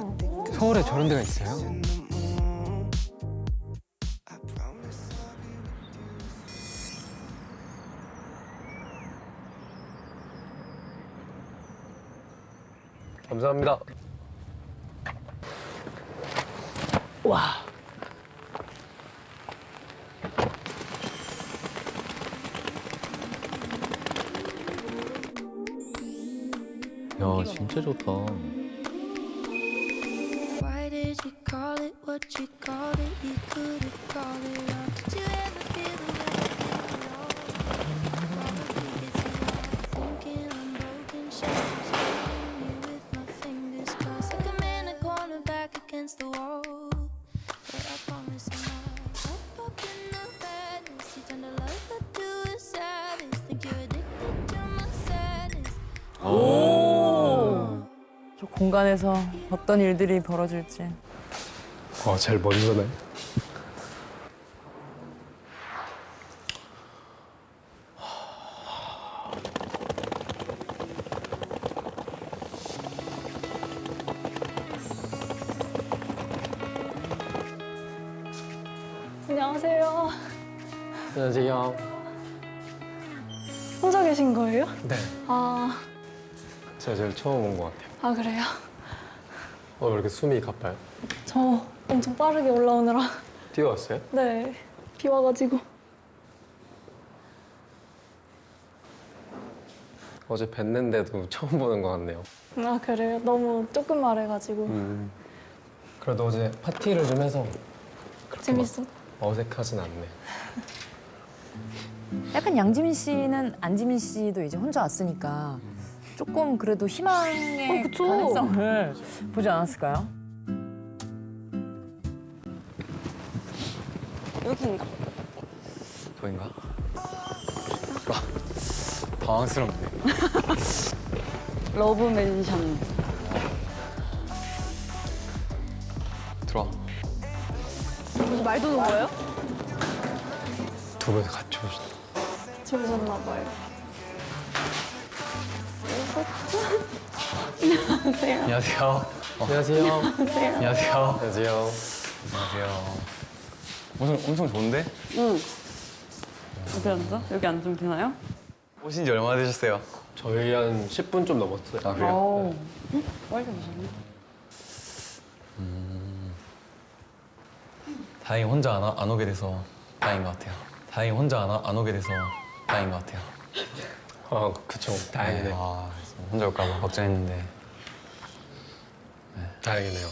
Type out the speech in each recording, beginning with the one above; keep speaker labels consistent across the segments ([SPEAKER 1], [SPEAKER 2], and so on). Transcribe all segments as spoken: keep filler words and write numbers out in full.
[SPEAKER 1] 서울에 저런 데가 있어요?
[SPEAKER 2] 감사합니다.
[SPEAKER 3] 와.
[SPEAKER 4] 야, 진짜 좋다.
[SPEAKER 5] Why did you call it what you called it? You could have called it wrong. Did you ever feel the way I feel at all? Probably it's a lie. Thinking I'm broken, shadows holding you with my fingers crossed. Like I'm in a corner back against the wall. But I promise I'm not up, up in the madness. You turn the love I do is sadness. Think you're addicted to my sadness.
[SPEAKER 3] 오. 저 공간에서 어떤 일들이 벌어질지.
[SPEAKER 2] 어, 제일 먼저네.
[SPEAKER 6] 안녕하세요.
[SPEAKER 2] 안녕하세요.
[SPEAKER 6] 혼자 계신 거예요?
[SPEAKER 2] 네.
[SPEAKER 6] 아,
[SPEAKER 2] 제가 제일 처음 온 것 같아요.
[SPEAKER 6] 아 그래요?
[SPEAKER 2] 어, 왜 이렇게 숨이 가빠요?
[SPEAKER 6] 저 엄청 빠르게 올라오느라
[SPEAKER 2] 뛰어왔어요?
[SPEAKER 6] 네, 비 와가지고.
[SPEAKER 2] 어제 뵀는데도 처음 보는 것 같네요.
[SPEAKER 6] 아 그래요? 너무 조금 말해가지고
[SPEAKER 2] 음. 그래도 어제 파티를 좀 해서
[SPEAKER 6] 재밌어.
[SPEAKER 2] 어색하진 않네.
[SPEAKER 3] 약간 양지민 씨는 안지민 씨도 이제 혼자 왔으니까 조금 그래도 희망의
[SPEAKER 6] 어, 그쵸.
[SPEAKER 3] 가능성을 보지 않았을까요?
[SPEAKER 6] 여기인가?
[SPEAKER 1] 저인가? 와, 당황스럽네.
[SPEAKER 6] 러브 멘션.
[SPEAKER 1] 들어와.
[SPEAKER 6] 무슨 말도 놓은 거예요?
[SPEAKER 2] 두 분 같이 오신.
[SPEAKER 6] 좋으셨나 봐요. 안녕하세요.
[SPEAKER 1] 안녕하세요. 어,
[SPEAKER 2] 안녕하세요.
[SPEAKER 6] 안녕하세요.
[SPEAKER 1] 안녕하세요.
[SPEAKER 2] 안녕하세요.
[SPEAKER 1] 안녕하세요. 엄청, 엄청 좋은데?
[SPEAKER 7] 응. 어디 앉아? 여기 앉으면 되나요?
[SPEAKER 1] 오신 지 얼마나 되셨어요?
[SPEAKER 2] 저희 한 십 분 좀 넘었어요.
[SPEAKER 1] 아, 그래요?
[SPEAKER 7] 어. 응? 빨리 오셨네.
[SPEAKER 4] 다행히 혼자 안, 와- 안 오게 돼서 다행인 것 같아요. 다행히 혼자 안, 와- 안 오게 돼서 다행인 것 같아요.
[SPEAKER 2] 아, 그쵸. 다행이네요.
[SPEAKER 4] 아, 혼자 올까 봐 걱정했는데.
[SPEAKER 2] 다행이네요.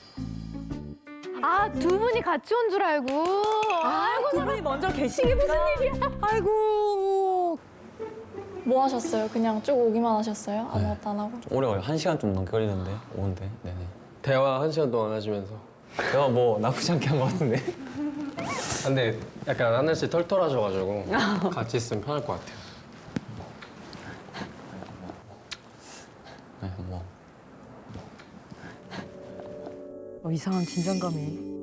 [SPEAKER 8] 아, 두 분이 같이 온 줄 알고.
[SPEAKER 3] 아이고, 두 분이 먼저 계시게 무슨 일이야? 아이고.
[SPEAKER 6] 뭐 하셨어요? 그냥 쭉 오기만 하셨어요? 아무것도 안 하고?
[SPEAKER 4] 오래 걸려. 한 시간 좀 넘게 걸리는데 오는데. 네네.
[SPEAKER 2] 대화 한 시간 동안 하시면서.
[SPEAKER 4] 제가 뭐 나쁘지 않게 한 것 같은데.
[SPEAKER 2] 근데 약간 하늘씨 털털하셔가지고 같이 있으면 편할 것 같아요.
[SPEAKER 4] 네, 뭐.
[SPEAKER 3] 어, 이상한 긴장감이.